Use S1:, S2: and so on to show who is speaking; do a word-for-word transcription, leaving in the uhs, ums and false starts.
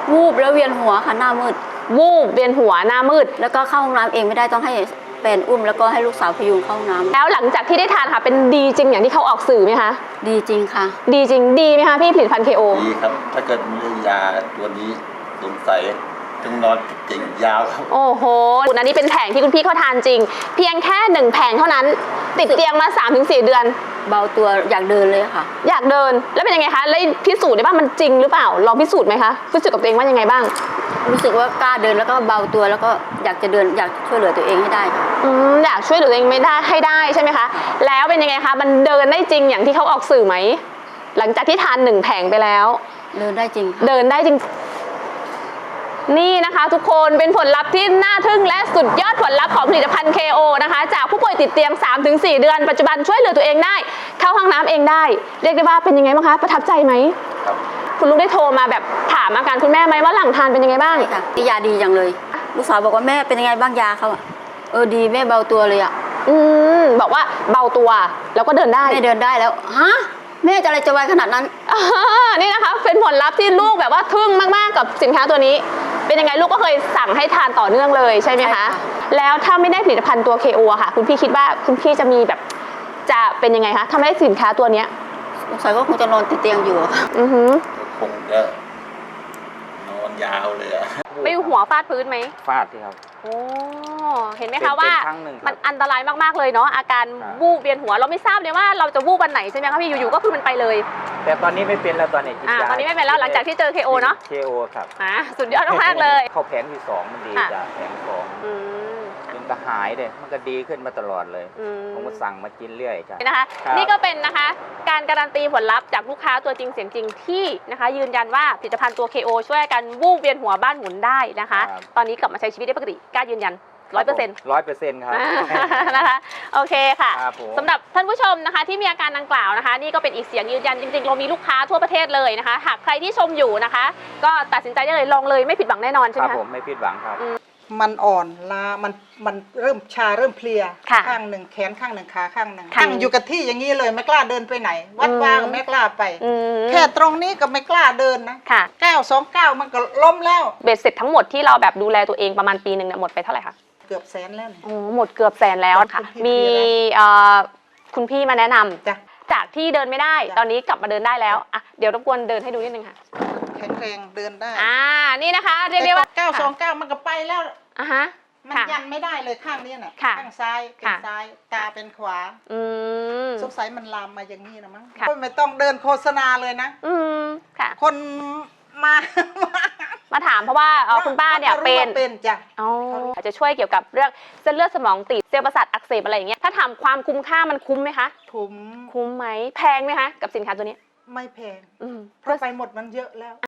S1: วูบแล้วเวียนหัวค่ะหน้ามืด
S2: วูบเวียนหัวหน้ามืด
S1: แล้วก็เข้าห้องน้ำเองไม่ได้ต้องให้แฟนอุ้มแล้วก็ให้ลูกสาวพยุงเข้าห้องน้ำ
S2: แล้วหลังจากที่ได้ทานค่ะเป็นดีจริงอย่างที่เขาออกสื่อไหมคะ
S1: ดีจริงค่ะ
S2: ดีจริงดีไหมคะพี่ผลิตภัณฑ์ เค โอ
S3: ดีครับถ้าเกิดมียาตัวนี้สงสัยต้องนอนเก่งยาวครับ
S2: โอ้โหอันนี้เป็นแผงที่คุณพี่เขาทานจริงเพียงแค่หนึ่งแผงเท่านั้นติดเตียงมา สามถึงสี่ เดือน
S1: เบาตัวอยากเดินเลยค่ะ
S2: อยากเดินแล้วเป็นยังไงคะแล้วพิสูจน์ได้บ้างมันจริงหรือเปล่าลองพิสูจน์ไหมคะพิสูจน์กับตัวเองว่ายังไงบ้าง
S1: รู้สึกว่ากล้าเดินแล้วก็เบาตัวแล้วก็อยากจะเดินอยากช่วยเหลือตัวเองให้ได้ค่ะ
S2: อืมอยากช่วยเหลือตัวเองไม่ได้ให้ได้ใช่ไหมคะแล้วเป็นยังไงคะมันเดินได้จริงอย่างที่เขาออกสื่อไหมหลังจากที่ทานหนึ่งแผงไปแล้ว
S1: เดินได้จริง
S2: เดินได้จริงนี่นะคะทุกคนเป็นผลลัพธ์ที่น่าทึ่งและสุดยอดผลลัพธ์ของผลิตภัณฑ์ เค โอ นะคะจากผู้ป่วยติดเตียง สามถึงสี่ เดือนปัจจุบันช่วยเหลือตัวเองได้เข้าห้องน้ำเองได้เรียกได้ว่าเป็นยังไงบ้างคะประทับใจไหม
S3: ครับ
S2: คุณลูกได้โทรมาแบบถามอาการคุณแม่ไหมว่าหลังทานเป็นยังไงบ้าง
S1: ใช่ค่ะยาดีจังเลยลูกสาวบอกว่าแม่เป็นยังไงบ้างยาเขาอะเออดีแม่เบาตัวเลยอะ
S2: อืมบอกว่าเบาตัวแล้วก็เดินได้
S1: แม่เดินได้แล้วฮะแม่จะอะไรจะไวขนาดนั้น
S2: นี่นะคะเป็นผลลัพธ์ที่ลูกแบบว่าทึ่งมากๆกับสินค้าตัวนี้เป็นยังไงลูกก็เคยสั่งให้ทานต่อเนื่องเลยใช่ไหมคะแล้วถ้าไม่ได้ผลิตภัณฑ์ตัว เค โอ ค่ะคุณพี่คิดว่าคุณพี่จะมีแบบจะเป็นยังไงคะถ้าไม่ได้สินค้าตัวเนี้ย
S1: สงสัยก็คงจะนอนติดเตียงอยู่ค่ะ
S2: อือหือ
S3: คงจะนอนยาวเลยอะ
S2: ไปหัวฟาดพื้นไหม
S4: ฟาดที่ครับ
S2: โอ้เห็นไหมคะว่ามันอันตรายมากๆเลยเนาะอาการวูบเวียนหัวเราไม่ทราบเลยว่าเราจะวูบวันไหนใช่ไหมคะพี่อยู่ๆก็คือมันไปเลย
S4: แต่ตอนนี้ไม่เป็นแล้วตอนนี้
S2: อ่าตอนนี้ไม่เป็นแล้วหลังจากที่เจอ เค โอ เนาะ
S4: เค โอ ครับ
S2: อ่าสุดยอดมากๆเลย
S4: เข้าแผงที่สองมันดีจ้ะแผงสองมันก็หายเลยมันก็ดีขึ้นมาตลอดเลยผมก็สั่งมากินเรื่อยจ้ะ
S2: นะคะนี่ก็เป็นนะคะการการันตีผลลัพธ์จากลูกค้าตัวจริงเสียงจริงที่นะคะยืนยันว่าผลิตภัณฑ์ตัว เค โอ ช่วยกันวูบเวียนหัวบ้านหมุนได้นะคะตอนนี้กลับมาใช้ชีวิตได้ปกติกล้ายืนยันร้อยเปอร์เซ็นต์
S4: ร้อยเปอร์เซ็นต์ครับ
S2: นะคะโอเคค่ะสำหรับท่านผู้ชมนะคะที่มีอาการดังกล่าวนะคะนี่ก็เป็นอีกเสียงยืนยันจริงๆเรามีลูกค้าทั่วประเทศเลยนะคะหากใครที่ชมอยู่นะคะก็ตัดสินใจได้เลยลองเลยไม่ผิดหวังแน่นอนใช่ไหม
S4: คะครับผมไม่ผิดหวังครับ
S5: มันอ่อนล้ามันมันเริ่มชาเริ่มเพลียข้างหนึ่งแขนข้างหนึ่งขาข้างหนึ่งข้างอยู่กับที่อย่างนี้เลยไม่กล้าเดินไปไหนวัดว่าก็ไม่กล้าไปแค่ตรงนี้ก็ไม่กล้าเดินนะเก้าสองเก้ามันก็ล้มแล้ว
S2: เบ็ดเสร็จทั้งหมดที่เราแบบดูแลตัวเองประมาณปีหนึ่งเนี่ยหมดไปเท่าไหร่คะ
S5: เกือบแสนแล้ว
S2: โอ้หมดเกือบแสนแล้วค่ะมีคุณพี่มาแนะนำจากที่เดินไม่ได้ตอนนี้กลับมาเดินได้แล้วอ่ะเดี๋ยวรบกวนเดินให้ดูนิดนึงค่ะ
S5: แข็งแรงเดินได้
S2: อ่านี่นะคะเรียกได้ว่า
S5: เก้าสองเก้ามันก็ไปแล้ว
S2: อ่ะฮะ
S5: มันยันไม่ได้เลยข้างนี้น่ะข้างซ้ายเป็นซ้ายตาเป็นขวา
S2: อืม
S5: สงสัยมันลามมาอย่างนี้นะมั้งไม่ต้องเดินโฆษณาเลยนะ
S2: อืมค่ะ
S5: คนมา
S2: มาถามเพราะว่าคุณป้าเนี่ยเป็น
S5: เป็นจ้ะ
S2: อ๋อจะช่วยเกี่ยวกับเรื่องเส้นเลือดสมองตีบเซลล์ประสาทอักเสบอะไรอย่างเงี้ยถ้าถามความคุ้มค่ามันคุ้มไหมคะ
S5: คุ้ม
S2: คุ้มไหมแพงไหมคะกับสินค้าตัวนี้
S5: ไม่แพงเพราะไปหมดมันเยอะแล้ว